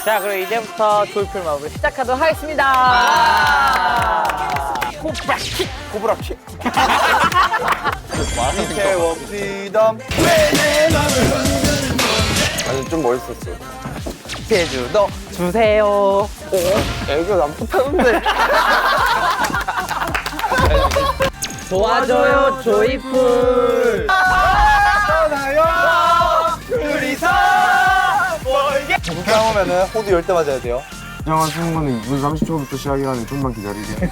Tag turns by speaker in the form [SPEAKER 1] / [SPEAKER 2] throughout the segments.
[SPEAKER 1] 자, 그럼 이제부터 조이풀 마법을 시작하도록 하겠습니다.
[SPEAKER 2] 코브라킥. 코브라킥. 밑에 원피덤. 아니 좀 멋있었어.
[SPEAKER 1] 제주도 주세요.
[SPEAKER 2] 애교 난 못하는데.
[SPEAKER 1] 도와줘요 조이풀.
[SPEAKER 2] 떠나요. 둘이서 멀게. 그렇게 하면은 호두 10대 맞아야 돼요.
[SPEAKER 3] 진정한 승부는 2분 30초부터 시작이라는 좀만 기다리게.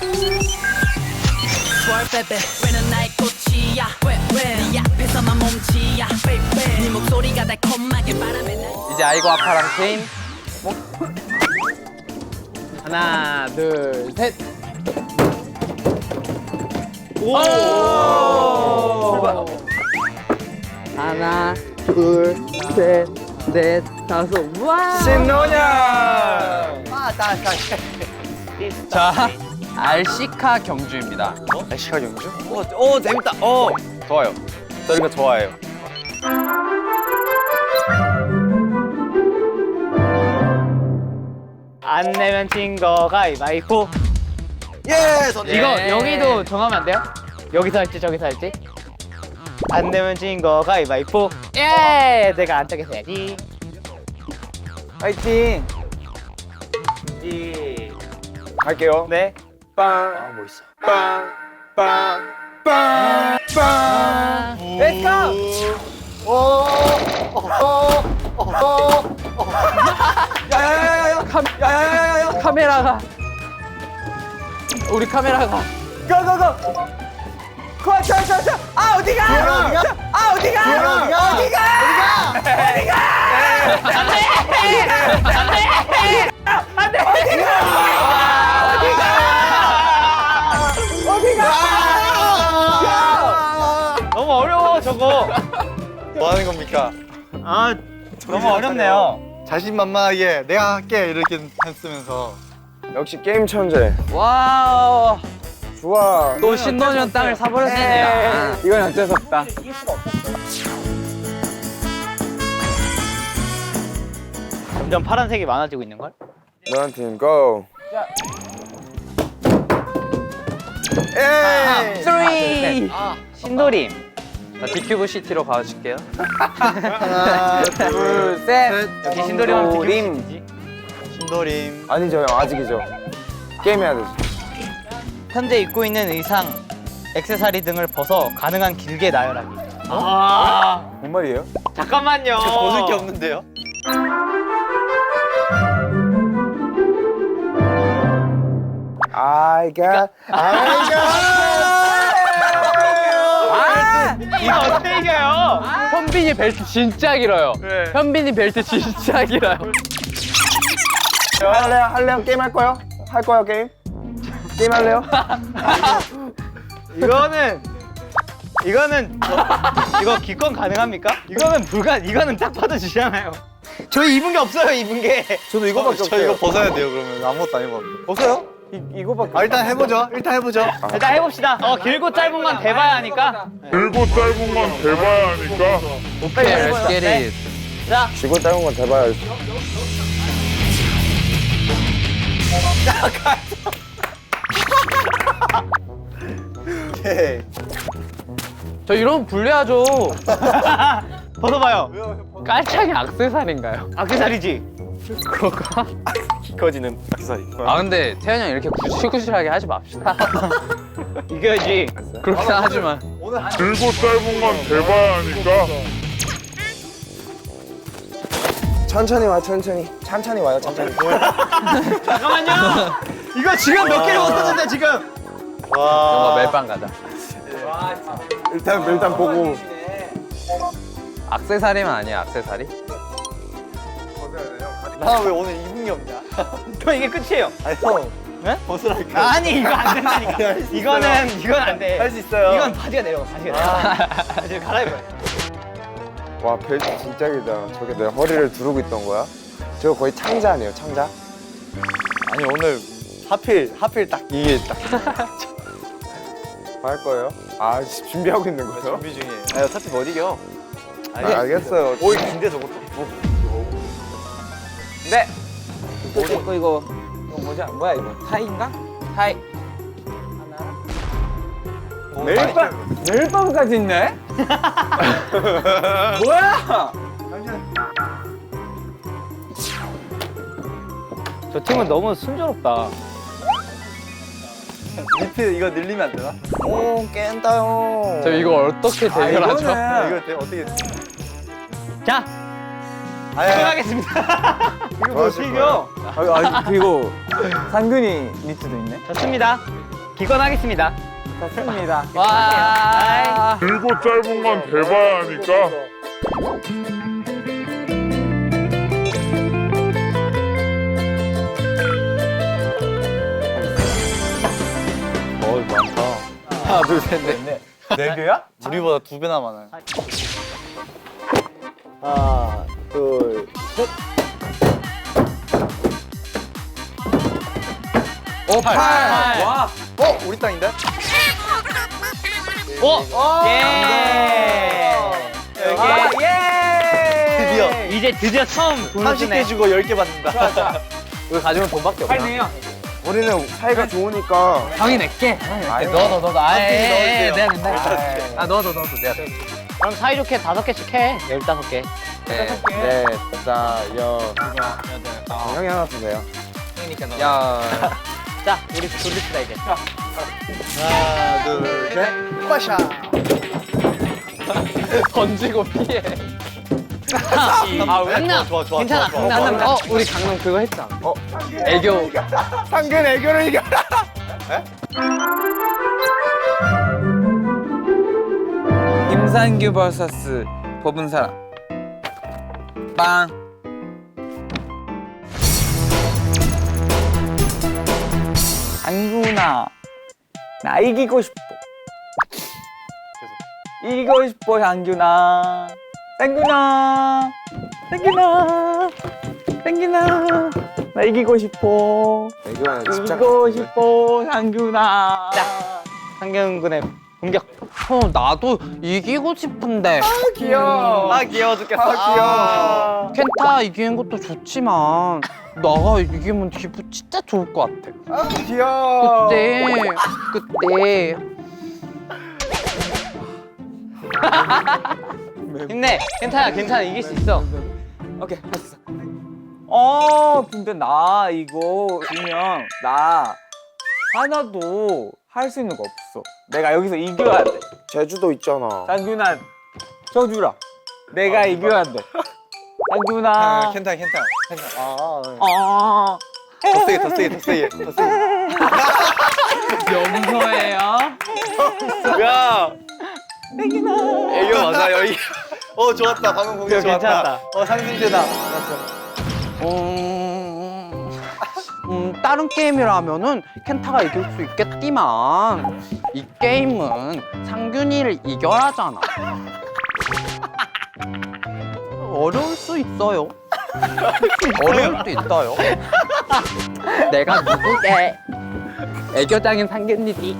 [SPEAKER 4] 왜는 나의 꽃이야 왜네 앞에서만 몸치야 네 목소리가 달콤하게 바람에 날
[SPEAKER 1] 이제 아이고 아파랑 게임. 하나, 둘, 셋. 오! 하나, 둘, 셋, 넷, 다섯. 와!
[SPEAKER 2] 신노냥.
[SPEAKER 1] 자, 알시카 경주입니다.
[SPEAKER 2] 날씨가 경주? 오 재밌다. 좋아요. 저 이거 좋아해요.
[SPEAKER 1] 안 내면 진 거 가위바위보.
[SPEAKER 2] 예.
[SPEAKER 1] 이거 여기도 정하면 안 돼요? 여기서 할지 저기서 할지? 안 내면 진 거 가위바위보. 예! 내가 안쪽에서 해야지.
[SPEAKER 2] 파이팅. 갈게요.
[SPEAKER 1] 네.
[SPEAKER 2] 빵. 뭐 있어? 빵. 빵. 빵. 빵.
[SPEAKER 1] Let's go!
[SPEAKER 2] 야야야야야.
[SPEAKER 1] 카메라가. 우리 카메라가.
[SPEAKER 2] 고고고. 자. 아 어디가? 아 어디가?
[SPEAKER 1] 너무 어려워 저거.
[SPEAKER 2] 뭐 하는 겁니까?
[SPEAKER 1] 아 너무 어렵네요.
[SPEAKER 2] 자신만만하게 내가 할게 이렇게 했으면서 역시 게임 천재.
[SPEAKER 1] 와우.
[SPEAKER 2] 좋아.
[SPEAKER 1] 또 신도년 땅을 사버렸네요.
[SPEAKER 2] 이건 어쩔 수 없다.
[SPEAKER 1] 점점 파란색이 많아지고 있는 걸?
[SPEAKER 2] 너한테 고. 에이.
[SPEAKER 1] 3. 신도림. 자, 디큐브 시티로 가줄게요.
[SPEAKER 2] 하나, 둘, 셋.
[SPEAKER 1] 여기 신도림 하면 디큐브 시티지.
[SPEAKER 2] 신도림. 아니죠, 형 아직이죠. 게임 해야 되지.
[SPEAKER 1] 현재 입고 있는 의상, 액세서리 등을 벗어 가능한 길게 나열하기. 아,
[SPEAKER 2] 뭔 말이에요?
[SPEAKER 1] 잠깐만요.
[SPEAKER 2] 벗을 게 없는데요? I got.
[SPEAKER 1] 이거 어떻게 이겨요? 현빈이 벨트 진짜 길어요. 현빈이 벨트 진짜 길어요.
[SPEAKER 2] 할래요? 게임 할 거요? 할 거요, 게임? 게임 할래요?
[SPEAKER 1] 이거는 이거 기권 가능합니까? 이거는 딱 봐도 지잖아요. 저희 입은 게 없어요, 입은 게.
[SPEAKER 2] 저도 이거밖에 없어요. 저 이거 벗어야 돼요, 그러면. 아무것도 안 입었는데. 벗어요? 이거밖에.
[SPEAKER 1] 일단 해보죠. 일단 해봅시다. 길고 짧은 건 대봐야 하니까.
[SPEAKER 5] 길고 짧은 건 대봐야 하니까.
[SPEAKER 1] 오케이, let's get it. 자,
[SPEAKER 2] 지고 짧은 건 대봐야지. 오케이.
[SPEAKER 1] 저 이러면 불리하죠. 벗어봐요. 깔창이 악세사리인가요? 악세사리지. 그럴까?
[SPEAKER 2] 커지는 악세사리.
[SPEAKER 1] 아 근데 태현이 형 이렇게 구실구실하게 하지 맙시다. 이겨야지. 그렇긴 하지만.
[SPEAKER 5] 길고 짧은 건 대봐야 하니까.
[SPEAKER 2] 천천히 와, 천천히. 천천히 와요, 천천히.
[SPEAKER 1] 잠깐만요. 이거 지금 몇 개를 못하는데 지금.
[SPEAKER 2] 와.
[SPEAKER 1] 멜빵 가자.
[SPEAKER 2] 일단 보고.
[SPEAKER 1] 악세사리만 아니야 악세사리?
[SPEAKER 2] 나 왜 오늘 입은 게 없냐?
[SPEAKER 1] 형 이게 끝이에요.
[SPEAKER 2] 아니, 형.
[SPEAKER 1] 네?
[SPEAKER 2] 벗으라니까.
[SPEAKER 1] 아니 이거 안 된다니까. 이건 안 돼.
[SPEAKER 2] 할 수 있어요.
[SPEAKER 1] 이건 바지가 내려가 바지가. 이제 갈아입어요.
[SPEAKER 2] 와, 벨트 진짜 길다. 저게 내 허리를 두르고 있던 거야? 저거 거의 창자 아니에요, 창자? 아니, 오늘 하필 딱 이게 딱. 뭐 할 거예요? 아, 준비하고 있는 거예요? 준비 중이에요. 아, 어차피 못 이겨. 알겠어요. 오이 긴데 저것도.
[SPEAKER 1] 네.
[SPEAKER 6] 이거 뭐냐? 뭐야 이거? 타이인가? 타이. 매일 밤까지 있네? 뭐야?
[SPEAKER 1] 저 팀은 너무 순조롭다.
[SPEAKER 2] 리필 이거 늘리면 안 되나? 오 깬다요.
[SPEAKER 6] 저 이거 어떻게 대결하죠?
[SPEAKER 2] 이거 어떻게?
[SPEAKER 1] 자, 시작하겠습니다.
[SPEAKER 2] 이거 뭐 이겨?
[SPEAKER 6] 그리고 상근이 니트도 있네.
[SPEAKER 1] 좋습니다. 기권하겠습니다.
[SPEAKER 6] 좋습니다.
[SPEAKER 1] 와.
[SPEAKER 5] 길고 짧은 건 대봐야 하니까.
[SPEAKER 2] 하나 둘셋 넷. 네 개야? 우리보다 2배나 많아요. 하나 둘 셋.
[SPEAKER 6] 오, 8. 와.
[SPEAKER 2] 우리 땅인데?
[SPEAKER 1] 오! 예! 여기
[SPEAKER 2] 드디어
[SPEAKER 1] 이제 드디어 처음 돈을 주네.
[SPEAKER 2] 30개 주고 10개 받는다.
[SPEAKER 1] 이거 가지면 돈밖에 없나?
[SPEAKER 6] 팔네요.
[SPEAKER 3] 우리는 사이가 좋으니까
[SPEAKER 1] 형이 낼게. 넣어. 아예 내가 낸다. 아 넣어. 내가. 그럼 사이좋게 5개씩 해. 15개.
[SPEAKER 3] 네, 자, 형이 하나 주세요.
[SPEAKER 6] 야.
[SPEAKER 1] 자, 우리 돌립시다 이제.
[SPEAKER 2] 하나 둘 셋. 빠샤.
[SPEAKER 6] 던지고 피해.
[SPEAKER 1] 강남.
[SPEAKER 2] 좋아.
[SPEAKER 1] 괜찮아. 강남. 우리 강남 그거 했잖아.
[SPEAKER 6] 애교.
[SPEAKER 3] 상근 애교를 이겨라.
[SPEAKER 6] 김상규 vs 법은 사람. 빵. 상규나, 나 이기고 싶어. 이기고 싶어, 상규나. 상규나, 나 이기고 싶어.
[SPEAKER 3] 애교에 집착.
[SPEAKER 6] 이기고 싶어, 상규나.
[SPEAKER 1] 상경군의 공격.
[SPEAKER 6] 나도 이기고 싶은데.
[SPEAKER 2] 귀여워. 귀여워 죽겠어.
[SPEAKER 3] 귀여워.
[SPEAKER 6] 켄타 이기는 것도 좋지만 나가 이기면 기분 진짜 좋을 것 같아.
[SPEAKER 3] 귀여워.
[SPEAKER 6] 그때
[SPEAKER 1] 힘내. 괜찮아. 이길 수 있어.
[SPEAKER 6] 오케이 했어. 근데 나 이거 지면 나 하나도 할 수 있는 거 없어. 내가 여기서 이겨야 돼.
[SPEAKER 3] 제주도 있잖아.
[SPEAKER 6] 상균아 저 주라. 내가 이겨야 돼. 상균아.
[SPEAKER 2] 괜찮아. 더 세게.
[SPEAKER 6] 용서해요.
[SPEAKER 2] 야. 애교 맞아 여기. 좋았다. 방금 공격 좋았다.
[SPEAKER 1] 괜찮았다.
[SPEAKER 2] 상승제다.
[SPEAKER 6] 다른 게임이라면은 켄타가 이길 수 있겠지만 이 게임은 상균이를 이겨라잖아. 어려울 수 있어요. 어려울 수 있어요. 내가 누구게? 애교장인 상균이지.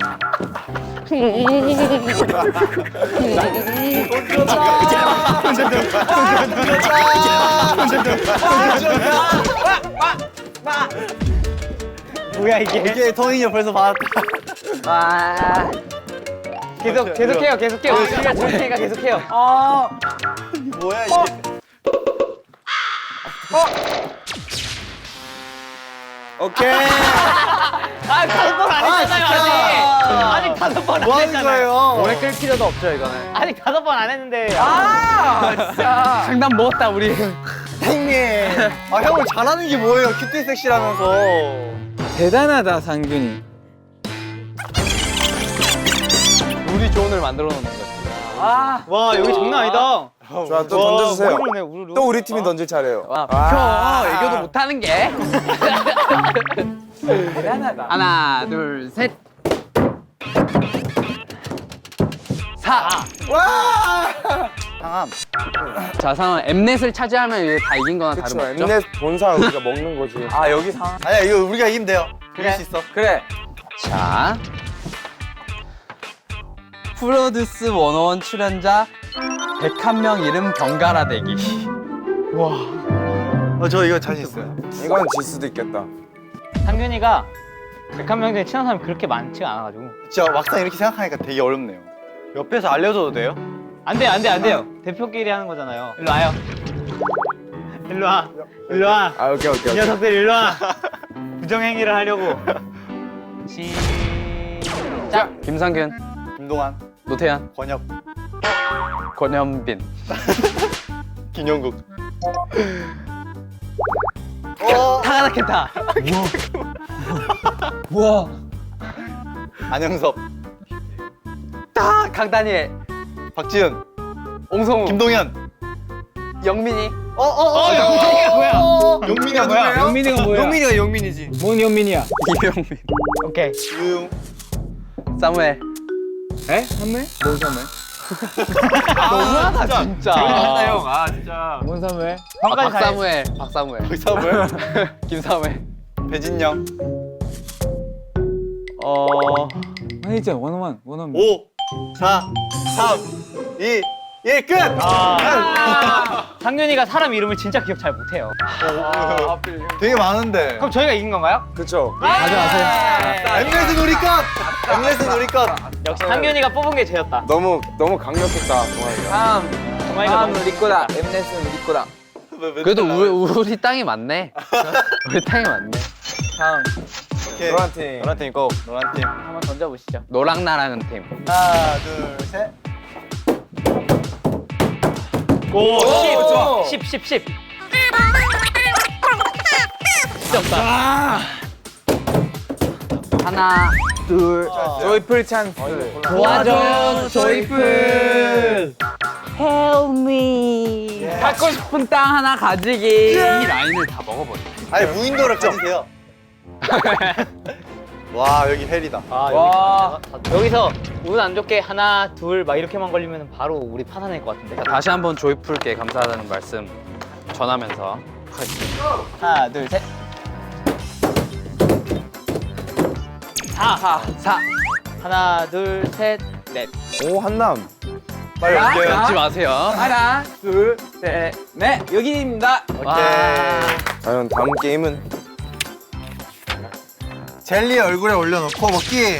[SPEAKER 1] 뭐야 이게?
[SPEAKER 2] 터닝이 옆에서 받았다.
[SPEAKER 1] 와. 계속해요. 우리가 줄 테니까 계속해요.
[SPEAKER 2] 뭐야 이게? 오케이.
[SPEAKER 1] 5번 안 했잖아요, 아직 5번 안
[SPEAKER 2] 뭐 하는
[SPEAKER 1] 했잖아요.
[SPEAKER 2] 거예요?
[SPEAKER 6] 오래 끌 필요도 없죠 이거는.
[SPEAKER 1] 아직 5번 안 했는데.
[SPEAKER 6] 진짜. 장난 먹었다 우리.
[SPEAKER 2] 형님. 형을 잘하는 게 뭐예요? 큐티 섹시라면서.
[SPEAKER 6] 대단하다 상균이.
[SPEAKER 2] 우리 조언을 만들어 놓는 거지.
[SPEAKER 1] 와 여기 장난 아니다.
[SPEAKER 3] 좋아, 또 던져주세요.
[SPEAKER 1] 우르르네, 우르르.
[SPEAKER 3] 또 우리 팀이 던질 차례예요.
[SPEAKER 6] 애교도 못하는 게.
[SPEAKER 2] 대단하다.
[SPEAKER 6] 하나, 둘, 셋. 4.
[SPEAKER 2] 상암.
[SPEAKER 6] 자, 상은 엠넷을 차지하면 이제 다 이긴 거나
[SPEAKER 3] 그쵸,
[SPEAKER 6] 다름없죠?
[SPEAKER 3] 엠넷 본사 우리가 먹는 거지.
[SPEAKER 2] 여기 상암. 아니야 이거 우리가 이기면 돼요. 이길 수 있어.
[SPEAKER 6] 그래. 자. 프로듀스 101 출연자 101명 이름 번갈아 대기.
[SPEAKER 2] 저 이거 자신 있어요.
[SPEAKER 3] 이건 질 수도 있겠다.
[SPEAKER 1] 상균이가 101명 중에 친한 사람이 그렇게 많지가 않아가지고.
[SPEAKER 2] 진짜 막상 이렇게 생각하니까 되게 어렵네요. 옆에서 알려줘도 돼요?
[SPEAKER 1] 안 돼요, 안 돼요, 안 돼요. 대표끼리 하는 거잖아요. 일로 와요. 일로 와. 일로 와.
[SPEAKER 3] 아 오케이
[SPEAKER 1] 이 녀석들 일로 와. 부정행위를 하려고. 시작.
[SPEAKER 6] 김상균,
[SPEAKER 2] 김동완,
[SPEAKER 6] 노태현,
[SPEAKER 2] 권혁,
[SPEAKER 6] 권현빈.
[SPEAKER 2] 김영국.
[SPEAKER 1] 타가다켄타.
[SPEAKER 6] 우와.
[SPEAKER 2] 안영섭,
[SPEAKER 6] 강다니엘,
[SPEAKER 2] 박지은,
[SPEAKER 6] 옹성우,
[SPEAKER 2] 김동현.
[SPEAKER 6] 영민이.
[SPEAKER 1] 영민이가 뭐야?
[SPEAKER 2] 용민이가 뭐야?
[SPEAKER 1] 영민이가 뭐야?
[SPEAKER 2] 용민이가 용민이지.
[SPEAKER 1] 뭔 영민이야?
[SPEAKER 6] 이병민,
[SPEAKER 1] 오케이.
[SPEAKER 2] 유용.
[SPEAKER 6] 사무엘.
[SPEAKER 1] 에? 선물? 뭔 선물?
[SPEAKER 6] 너무하다 진짜.
[SPEAKER 2] 형. 아 진짜.
[SPEAKER 1] 뭔 선물?
[SPEAKER 6] 박사무엘, 박사무엘,
[SPEAKER 2] 박사물.
[SPEAKER 6] 김사무엘.
[SPEAKER 2] 배진영.
[SPEAKER 6] 아니 진짜 원어원.
[SPEAKER 2] 5, 4, 3, 2, 1 끝.
[SPEAKER 1] 상균이가 사람 이름을 진짜 기억 잘 못해요.
[SPEAKER 2] 되게 많은데.
[SPEAKER 1] 그럼 저희가 이긴 건가요?
[SPEAKER 3] 그쵸.
[SPEAKER 1] 가져가세요.
[SPEAKER 2] 엠넷은 우리 것. 엠넷은 우리 것.
[SPEAKER 1] 역시 상균이가 뽑은 게 쟤였다.
[SPEAKER 3] 너무 강력했다 동아이가.
[SPEAKER 6] 다음.
[SPEAKER 1] 정말이가 너무
[SPEAKER 6] 우리 거다. 엠넷은 우리 거다. 그래도 우리 땅이 많네. 우리 땅이 많네. 다음.
[SPEAKER 2] 오케이.
[SPEAKER 3] 노란 팀.
[SPEAKER 2] 노란 팀 고. 노란 팀.
[SPEAKER 1] 한번 던져보시죠.
[SPEAKER 6] 노랑 나랑은 팀.
[SPEAKER 2] 하나, 둘, 셋.
[SPEAKER 1] 오,
[SPEAKER 6] 좋아.
[SPEAKER 1] 10. 진짜 없다.
[SPEAKER 6] 하나, 둘. 조이풀 찬스.
[SPEAKER 1] 도와줘, 조이풀. Help me.
[SPEAKER 6] 갖고 싶은 땅 하나 가지기. 이 라인을 다 먹어버려.
[SPEAKER 2] 아니 무인도를 가지세요. 와 여기 헬이다.
[SPEAKER 6] 와.
[SPEAKER 1] 여기서 운 안 좋게 하나, 둘 막 이렇게만 걸리면 바로 우리 파산할 것 같은데.
[SPEAKER 6] 다시 한번 조이풀께 감사하다는 말씀 전하면서
[SPEAKER 1] 하나, 둘, 셋. 4. 하나, 둘, 셋, 넷.
[SPEAKER 3] 오 한남.
[SPEAKER 2] 빨리 올게요.
[SPEAKER 6] 잊지 마세요.
[SPEAKER 7] 하나, 둘, 셋, 넷. 여기입니다.
[SPEAKER 3] 과연 다음 게임은
[SPEAKER 2] 젤리 얼굴에 올려놓고 먹기.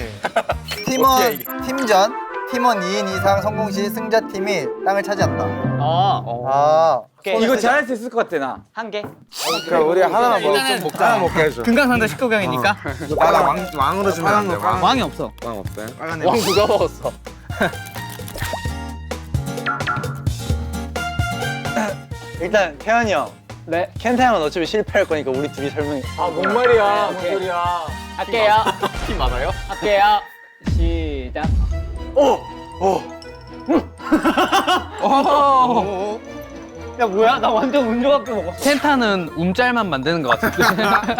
[SPEAKER 2] 팀원 2인 이상 성공 시 승자팀이 땅을 차지한다. 아,
[SPEAKER 1] 오케이.
[SPEAKER 7] 이거 잘할 수 있을 것 같아, 나.
[SPEAKER 1] 한 개.
[SPEAKER 3] 그럼 우리 하나만 먹자. 하나 먹게 해줘.
[SPEAKER 1] 금강산도 19강이니까.
[SPEAKER 3] 나랑 왕으로 주면 안 돼.
[SPEAKER 1] 왕이 없어.
[SPEAKER 3] 왕 없대.
[SPEAKER 2] 빨간
[SPEAKER 6] 왕 누가 먹었어?
[SPEAKER 2] 일단 태현이 형.
[SPEAKER 1] 네.
[SPEAKER 2] 켄타 형은 어차피 실패할 거니까 우리 둘이 설명해.
[SPEAKER 7] 뭔 말이야, 뭔 소리야.
[SPEAKER 1] 할게요.
[SPEAKER 6] 팀 많아요?
[SPEAKER 1] 할게요. 시작. 야 뭐야? 나 완전 운 좋게 먹었어.
[SPEAKER 6] 켄타는 움짤만 만드는 것 같은데.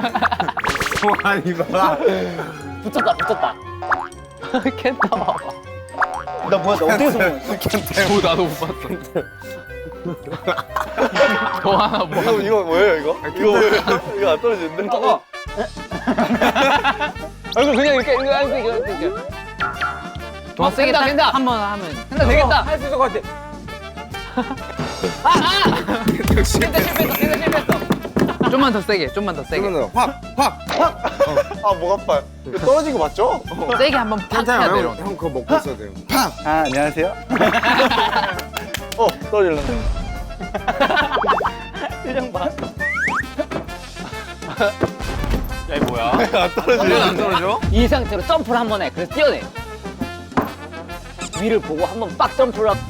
[SPEAKER 1] 붙었다.
[SPEAKER 6] 켄타 봐봐.
[SPEAKER 1] 나 뭐야? 나 어떻게 성공했어?
[SPEAKER 6] 나도 못 봤어. 더 하나 뭐 하는
[SPEAKER 2] 이거 뭐예요 이거? 이거 뭐예요? 이거 안 떨어지는데?
[SPEAKER 1] 얼굴 그냥 이렇게
[SPEAKER 6] 더 세게 딱 한번 하면
[SPEAKER 1] 된다 되겠다.
[SPEAKER 7] 할 수 있을 것 같아.
[SPEAKER 1] 실패했어.
[SPEAKER 6] 좀만 더 세게.
[SPEAKER 3] 그러면 확.
[SPEAKER 2] 아 목 아파요. 이거 떨어진 거 맞죠?
[SPEAKER 6] 세게 한번 팍 해야
[SPEAKER 3] 괜찮아요.
[SPEAKER 6] 내려.
[SPEAKER 3] 형 그거 먹고 있어야 돼요.
[SPEAKER 2] 아 안녕하세요. 떨어질렀네.
[SPEAKER 1] 표정 봐.
[SPEAKER 6] 야 이거 뭐야?
[SPEAKER 2] 안 떨어지네.
[SPEAKER 6] 안 떨어져?
[SPEAKER 1] 이 상태로 점프를 한 번 해. 그래서 뛰어내. 위를 보고 한 번 빡 점프를 하고.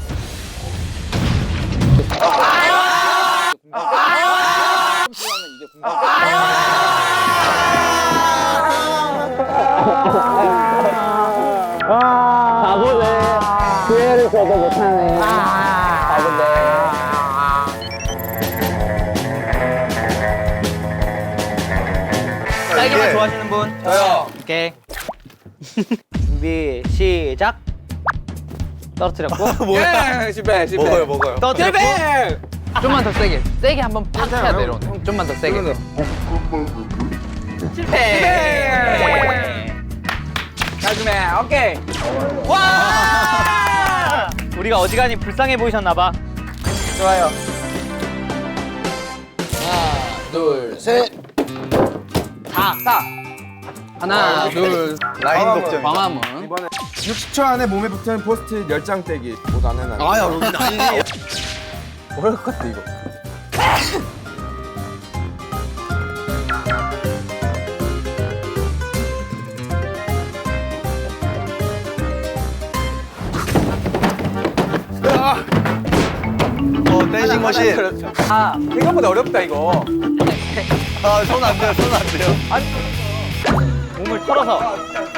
[SPEAKER 1] 바보네. 기회를 줘도 못하네. 바보네. 딸기맛 좋아하시는 분?
[SPEAKER 2] 저요.
[SPEAKER 1] 오케이. 준비 시작. 떨어뜨렸고.
[SPEAKER 7] 예, 실패.
[SPEAKER 2] 먹어요.
[SPEAKER 1] 떨어뜨렸고.
[SPEAKER 6] 좀만 더 세게. 세게 한번 팍 해야 내려. 좀만 더 세게.
[SPEAKER 1] 실패.
[SPEAKER 7] 나중에, 오케이.
[SPEAKER 1] 와! 우리가 어지간히 불쌍해 보이셨나봐.
[SPEAKER 2] 좋아요.
[SPEAKER 7] 둘, 셋.
[SPEAKER 6] 4.
[SPEAKER 7] 하나, 둘,
[SPEAKER 2] 라인 독점.
[SPEAKER 7] 광화문.
[SPEAKER 3] 이번에 60초 안에 몸에 붙은 포스트잇 10장 떼기. 못안 해놔.
[SPEAKER 2] 아야 여기 아니지.
[SPEAKER 6] 어려울 것 같아 이거.
[SPEAKER 2] 댄싱 머신.
[SPEAKER 6] 생각보다 어렵다 이거.
[SPEAKER 2] 손 안 돼요. 손 안 돼요.
[SPEAKER 1] 몸을 털어서.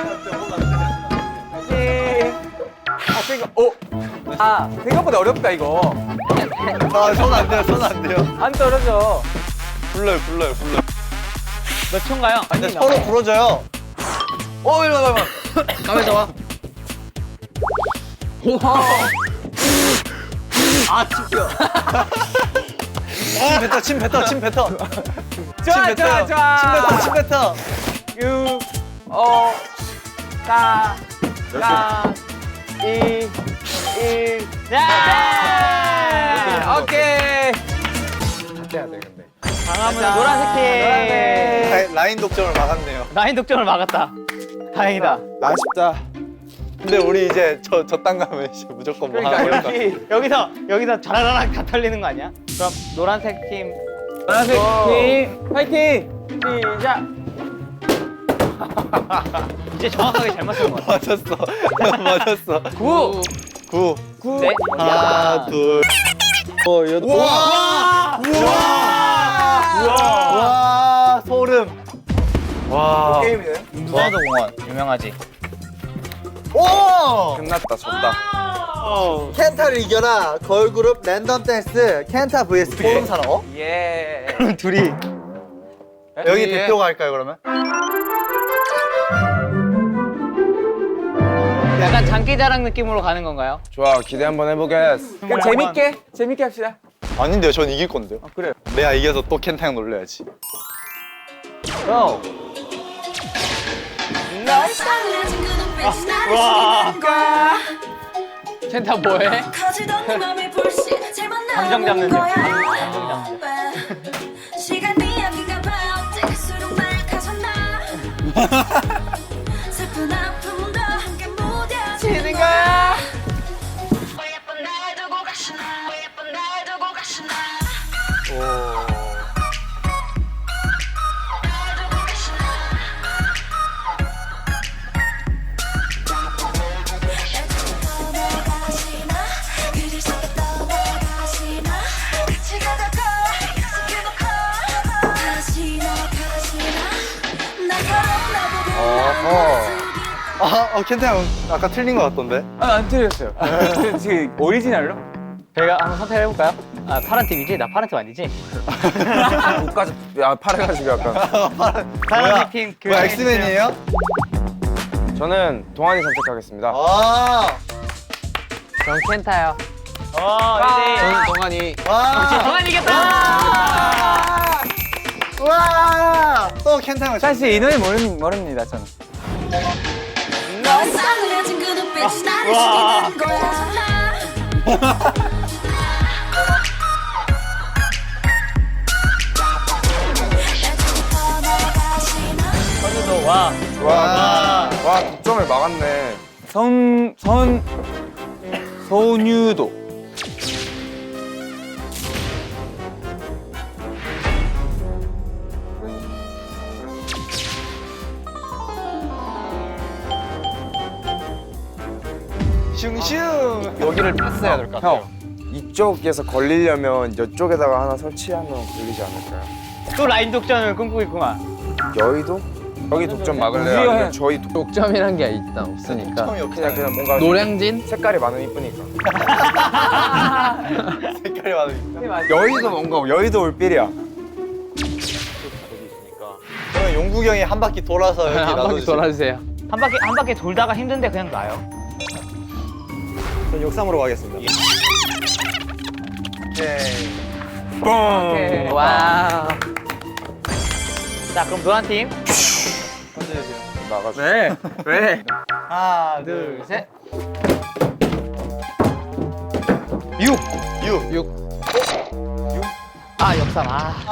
[SPEAKER 6] 생각보다 어렵다 이거.
[SPEAKER 2] 손 안 돼요. 손 안 돼요.
[SPEAKER 6] 안 떨어져.
[SPEAKER 2] 불러요.
[SPEAKER 1] 몇 초인가요?
[SPEAKER 2] 근데 서로 부러져요. 일로 와봐.
[SPEAKER 7] 가만히 와.
[SPEAKER 2] 침 뱉어.
[SPEAKER 6] 좋아.
[SPEAKER 2] 침 뱉어.
[SPEAKER 6] 6, 5, 4, 3, 2, 1.
[SPEAKER 1] 야!
[SPEAKER 6] 오케이.
[SPEAKER 3] 해야 돼 근데.
[SPEAKER 1] 강화문 노란색 팀.
[SPEAKER 2] 라인 독점을 막았네요.
[SPEAKER 1] 라인 독점을 막았다. 다행이다.
[SPEAKER 3] 아쉽다.
[SPEAKER 2] 근데 우리 이제 저땅 가면 이제 무조건 뭐 하나
[SPEAKER 6] 그러니까
[SPEAKER 2] 걸릴까?
[SPEAKER 1] 여기서 자라라락 다 털리는 거 아니야? 그럼 노란색 팀
[SPEAKER 6] 노란색 팀 파이팅. 시작.
[SPEAKER 1] 이제 정확하게 잘 맞추는 것 같아.
[SPEAKER 2] 맞았어.
[SPEAKER 6] 9.
[SPEAKER 2] 9.
[SPEAKER 1] 네.
[SPEAKER 2] 하나, 둘. 여덟. 와, 소름. 와.
[SPEAKER 3] 게임이네.
[SPEAKER 1] 무한도 공원 유명하지.
[SPEAKER 2] 오!
[SPEAKER 3] 끝났다. 졌다.
[SPEAKER 2] 켄타를 이겨라. 걸그룹 랜덤 댄스 켄타 vs 포름 사람.
[SPEAKER 6] 예.
[SPEAKER 2] 둘이 여기 대표가 할까요 그러면?
[SPEAKER 1] 약간 장기자랑 느낌으로 가는 건가요?
[SPEAKER 3] 좋아. 기대 한번 해보겠어.
[SPEAKER 6] 그럼 재밌게 합시다.
[SPEAKER 2] 아닌데요. 전 이길 건데요.
[SPEAKER 6] 그래요.
[SPEAKER 2] 내가 이겨서 또 켄타 형 놀려야지.
[SPEAKER 6] 고.
[SPEAKER 1] 켄타 뭐해? 감정 잡는 중.
[SPEAKER 8] 시간이 여긴가 봐 어쩔수록 날 가졌나 슬픈 아픔도 함께 무뎌지는 거야 왜 예쁜 날 두고 가시나 왜 예쁜 날 두고 가시나 날 두고 가시나 떠나가시나 그리시게 떠나가시나 같이 가자고 약속해놓고 가시나 나보고
[SPEAKER 2] 켄타 형 아까 틀린 것 같던데?
[SPEAKER 6] 안 틀렸어요. 지금 오리지널로?
[SPEAKER 1] 제가 한번 선택해 볼까요? 아 파란 팀이지? 나 파란 팀 아니지?
[SPEAKER 3] 옷까지 야 팔해가지고 약간.
[SPEAKER 1] 파란색 팀
[SPEAKER 2] 뭐 엑스맨이에요?
[SPEAKER 3] 저는 동환이 선택하겠습니다.
[SPEAKER 1] 전 켄타요.
[SPEAKER 7] 저는 동환이.
[SPEAKER 1] 정한 이겼다.
[SPEAKER 2] 와! 또 켄타 형.
[SPEAKER 6] 사실 이 노래 모릅니다 저는.
[SPEAKER 8] 너의 싸늘해진 그 눈빛이 나를 죽이는 거야
[SPEAKER 1] 선우도 와.
[SPEAKER 3] 와 독점을 막았네.
[SPEAKER 6] 소유도.
[SPEAKER 2] 슝슝.
[SPEAKER 3] 여기를 패스해야 될 것 같아요. 형 이쪽에서 걸리려면 이쪽에다가 하나 설치하면 걸리지 않을까요?
[SPEAKER 1] 또 라인 독점을 꿈꾸고 있구만.
[SPEAKER 3] 여의도? 여기 독점 막을래요?
[SPEAKER 6] 우리가
[SPEAKER 3] 아니면
[SPEAKER 6] 해.
[SPEAKER 3] 저희
[SPEAKER 7] 독점이란 게 일단 없으니까.
[SPEAKER 3] 그냥 뭔가
[SPEAKER 7] 노량진?
[SPEAKER 3] 색깔이 많으면 이쁘니까.
[SPEAKER 2] 색깔이 많으니까.
[SPEAKER 3] 여의도 뭔가 여의도 올빌이야.
[SPEAKER 2] 그러면 용국이 형이 한 바퀴 돌아서 여기
[SPEAKER 7] 한 바퀴
[SPEAKER 2] 놔둬주세요.
[SPEAKER 7] 돌아주세요.
[SPEAKER 1] 한 바퀴 돌다가 힘든데 그냥 놔요.
[SPEAKER 2] 전 역삼으로 가겠습니다.
[SPEAKER 6] 오케이.
[SPEAKER 7] 와.
[SPEAKER 1] 자 그럼 노란 팀.
[SPEAKER 3] 나가줘.
[SPEAKER 6] 왜? 왜?
[SPEAKER 2] 하나,
[SPEAKER 1] 둘, 셋.
[SPEAKER 2] 6.
[SPEAKER 7] 6.
[SPEAKER 1] 아 역삼.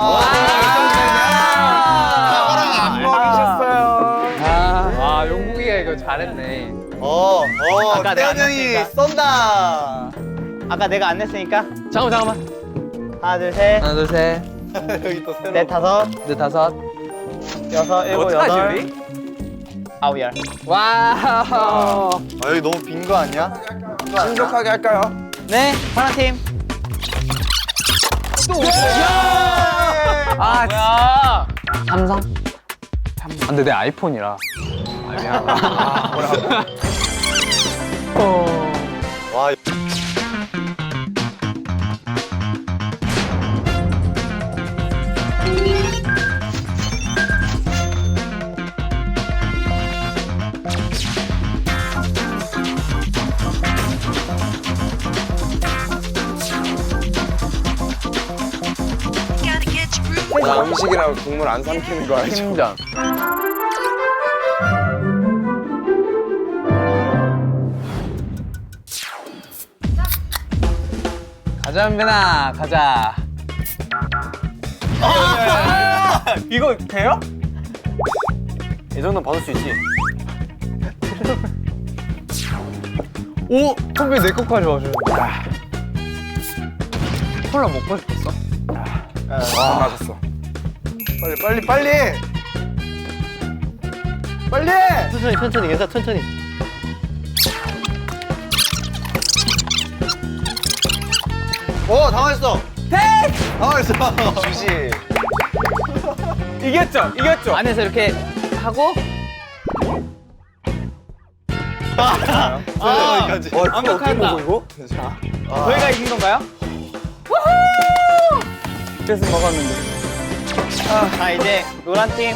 [SPEAKER 2] 안 먹이셨어요.
[SPEAKER 6] 아 용국이가 이거 잘했네.
[SPEAKER 1] 아까 내가 안
[SPEAKER 2] 태연이
[SPEAKER 1] 냈으니까.
[SPEAKER 2] 쏜다.
[SPEAKER 1] 아까 내가 안 냈으니까.
[SPEAKER 6] 잠깐만.
[SPEAKER 1] 하나 둘 셋.
[SPEAKER 6] 하나 둘 셋.
[SPEAKER 2] 여기 또 새로.
[SPEAKER 1] 넷 다섯.
[SPEAKER 6] 넷 다섯.
[SPEAKER 1] 여섯 일곱
[SPEAKER 6] 어떡하지,
[SPEAKER 1] 여덟.
[SPEAKER 6] 우리?
[SPEAKER 1] 아홉 열.
[SPEAKER 6] 와우.
[SPEAKER 2] 여기 너무 빈 거 아니야?
[SPEAKER 3] 신속하게 할까요?
[SPEAKER 1] 네 파란 팀.
[SPEAKER 6] 아
[SPEAKER 1] 뭐야?
[SPEAKER 6] 삼성? 근데 내 아이폰이라.
[SPEAKER 2] 와.
[SPEAKER 3] 나 음식이라고 국물 안 삼키는 거 알죠?
[SPEAKER 6] 팀전. 가자 은빈아 가자. 이거 돼요? 이 정도는 받을 수 있지. 오! 선배 내 것까지 와주는데. 콜라 먹고 싶었어?
[SPEAKER 3] 와 맞았어.
[SPEAKER 2] 빨리. 빨리.
[SPEAKER 1] 천천히 괜찮아 천천히.
[SPEAKER 2] 당황했어. 당황했어. 주시.
[SPEAKER 6] 이겼죠?
[SPEAKER 1] 안에서 이렇게 하고
[SPEAKER 2] 여기까지.
[SPEAKER 1] 완벽하다.
[SPEAKER 3] 이거?
[SPEAKER 1] 저희가 이긴 건가요?
[SPEAKER 6] 그래서 먹었는데.
[SPEAKER 1] 자 이제 노란 팀.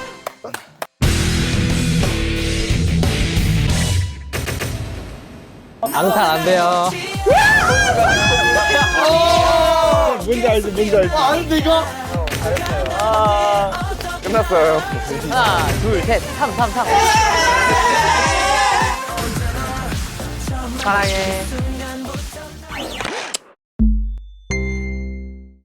[SPEAKER 6] 앙탈 안 돼요.
[SPEAKER 3] 끝났어요.
[SPEAKER 1] 하나 둘셋 3. 사랑해.